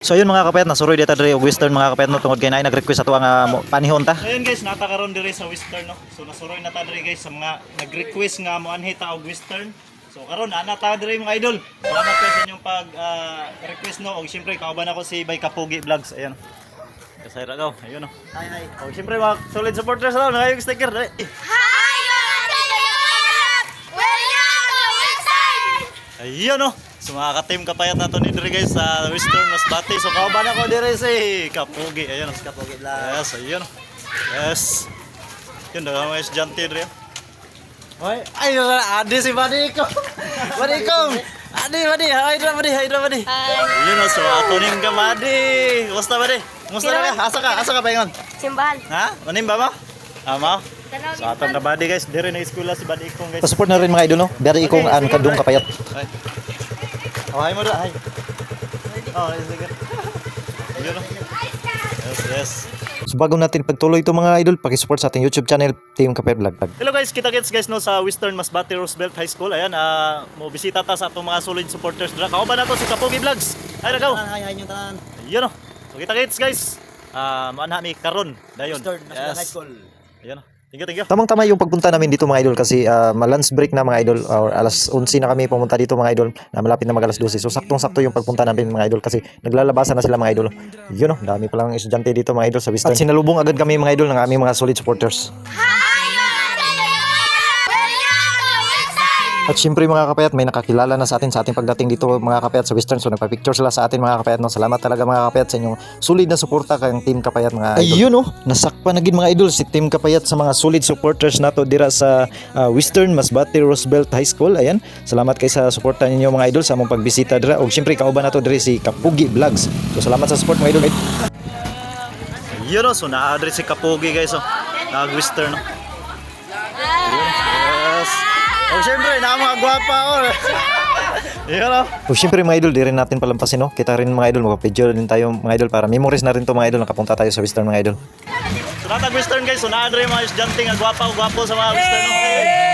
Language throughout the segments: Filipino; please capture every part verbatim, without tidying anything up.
So yun mga kapayat, nasuroy dito diri og Western mga kapayat no tungod kay naay nag-request ato nga mo- panihon ta. Ayun guys, natakaroon diri sa Western no. So nasuroy na ta diri guys sa mga nag-request nga mo anhi ta og Western. So karon ana ta diri mga idol. Salamat kayo sa inyong pag ah, request no og syempre kauban ako si Bay Kapugi Vlogs. Ayan. Kasayra daw. Ayun no. Hi hi. Og syempre mga solid supporters daw nangayog sticker. Dali. Ayun no. So mga ka-team kapayat nato ni diri guys sa Western Masbate. So kauban ako diri si Kapugi. Ayun no. Kapogi lang. Yes, ayun. Yes. Yun daw mga estudyante diri. Hoy, ay adi si Badi ko. Badi ko. Adi Badi, hi ra Badi, hi ra Badi. Yun no, so ato ning ka Badi. Kumusta Badi? Kumusta na ka? Asa ka? Asa ka paingon? Simbahan. Ha? Manim ba mo? Ama? So atong ka Badi guys, diri na eskwela si Badi Ikong guys. Support na rin mga idol no. Dari ikong an kadung kapayat. Ay. Oh, hi mo da, hi. Oh, sige. Yun no. Yes, yes. So bago natin pagtuloy ito mga idol, paki-support sa ating YouTube channel Team Kapayat Vlog. Hello guys, kita kits guys no sa Western Masbate Roosevelt High School. Ayan, ah mo bisita ta sa atong mga solid supporters dira. Kauban nato si Kapugi Vlogs. Ay nagaw. Hi hi yung tanan. Yun no. So kita kits guys. Ah, uh, mi karon dayon. High School. Ayun no. Thank you, thank you. Tamang-tama yung pagpunta namin dito mga idol kasi uh, ma-lunch break na mga idol or alas onse na kami pumunta dito mga idol na malapit na mag alas dose. So saktong-sakto yung pagpunta namin mga idol kasi naglalabasan na sila mga idol. Yun no, dami palang estudyante dito mga idol sa Western. At sinalubong agad kami mga idol ng aming mga solid supporters. At syempre mga kapayat, may nakakilala na sa atin sa ating pagdating dito mga kapayat sa Western. So nagpa-picture sila sa atin mga kapayat. No? Salamat talaga mga kapayat sa inyong solid na suporta kayong Team Kapayat mga idol. Ayun oh, nasakpan na gid mga idol si Team Kapayat sa mga solid supporters nato dira sa uh, Western Masbate Roosevelt High School. Ayan, salamat kay sa suporta ninyo mga idol sa among pagbisita dira. Og syempre kauban nato diri si Kapugi Vlogs. So salamat sa support mga idol. Yun no, so na-address si Kapugi guys oh. Nag-Western no. Yes. Oh, syempre, na mga gwapa oh. Yun no. O syempre mga idol, di rin natin palampasin no. Kita rin mga idol, magpa-picture din tayo mga idol para memories na rin to mga idol. Nakapunta tayo sa Western mga idol. So natag-Western guys, so na-address mga estudyante nga gwapa o gwapo sa mga Western no.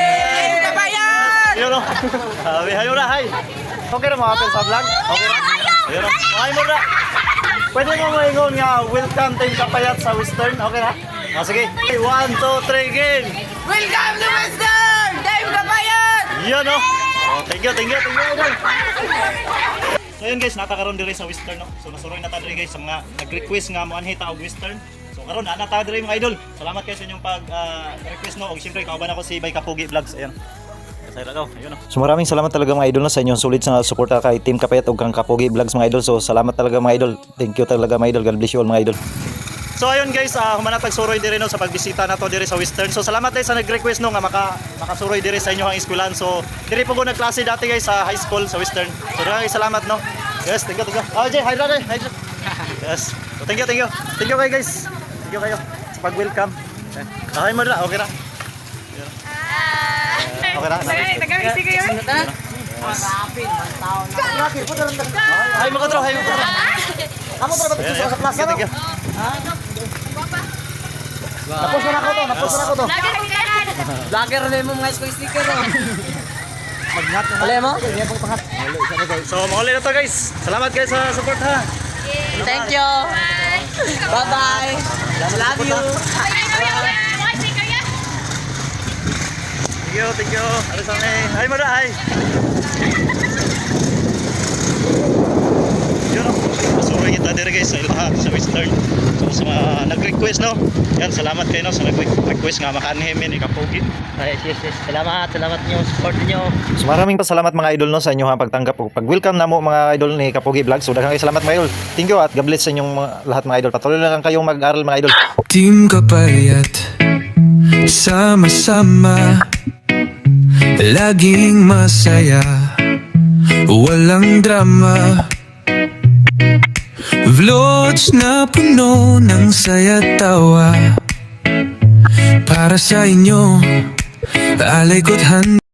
Yun no. Habi, hayo na, hi. Okay na mga kapil sa vlog? Okay na? Yun no. Okay mo na. Pwede mo maingon nga, welcome Team Kapayat sa Western. Okay na? Ah, sige. One, two, three, game. Welcome to Western! Dave Kapayat! Yun no. Oh, thank you, thank you, thank you. Idol. So yun guys, natakaroon diri sa Western no. So nasuroy na ta diri guys sa mga nag-request nga mo anhi ta og Western. So karon ana ta diri mga idol. Salamat kayo sa inyong pag ah, request no og syempre kauban ako si Bay Kapugi Vlogs. Ayan. Kasayra daw. Ayun no. So maraming salamat talaga mga idol no, sa inyong solid na suporta kay Team Kapayat ug kang Kapugi Vlogs mga idol. So salamat talaga mga idol. Thank you talaga mga idol. God bless you all mga idol. So ayun guys, uh, humanatag suroy diri no sa pagbisita nato diri sa Western. So salamat tayo sa nag-request no nga maka makasuroy diri sa inyo ang eskwelahan. So diri po ko nagklase dati guys sa high school sa Western. So maraming salamat no. Yes, thank you, thank you. Oh, Jay, hi brother. Hi. Yes. So thank you, thank you. Thank you kayo guys. Thank you kayo sa pag-welcome. Okay mo na, okay na. Okay na. Tagamisi kayo eh. Hi mga tro, hi mga tro. Amo para Ayan, ayan. sa plaza Thank you. Napos na ako to, napos na ako to. Lagi na kailan. Vlogger na mo mga school sticker oh. Magnat na. Wala mo? So mauli na to guys. Salamat guys sa support ha. Thank you. Bye bye. Love you. Thank you, thank you. Ano sa may? Hi mga tro, hi. Yun no. Masuroy kita diri guys sa ilaha sa Western. So sa mga nag-request no. Yan, salamat kayo no sa nag-request nga makaanhim ni Kapugi. Yes, yes, yes. Salamat. Salamat niyo support niyo. So maraming pasalamat mga idol no sa inyo ha pagtanggap ug pag-welcome namo mga idol ni Kapugi Vlogs. So daghang salamat mga idol. Thank you at God bless sa inyong mga, lahat mga idol. Patuloy lang kayong mag-aral mga idol. Team Kapayat, sama-sama, laging masaya, walang drama. Vlogs na puno ng saya tawa, para sa inyo, alay ko't handa.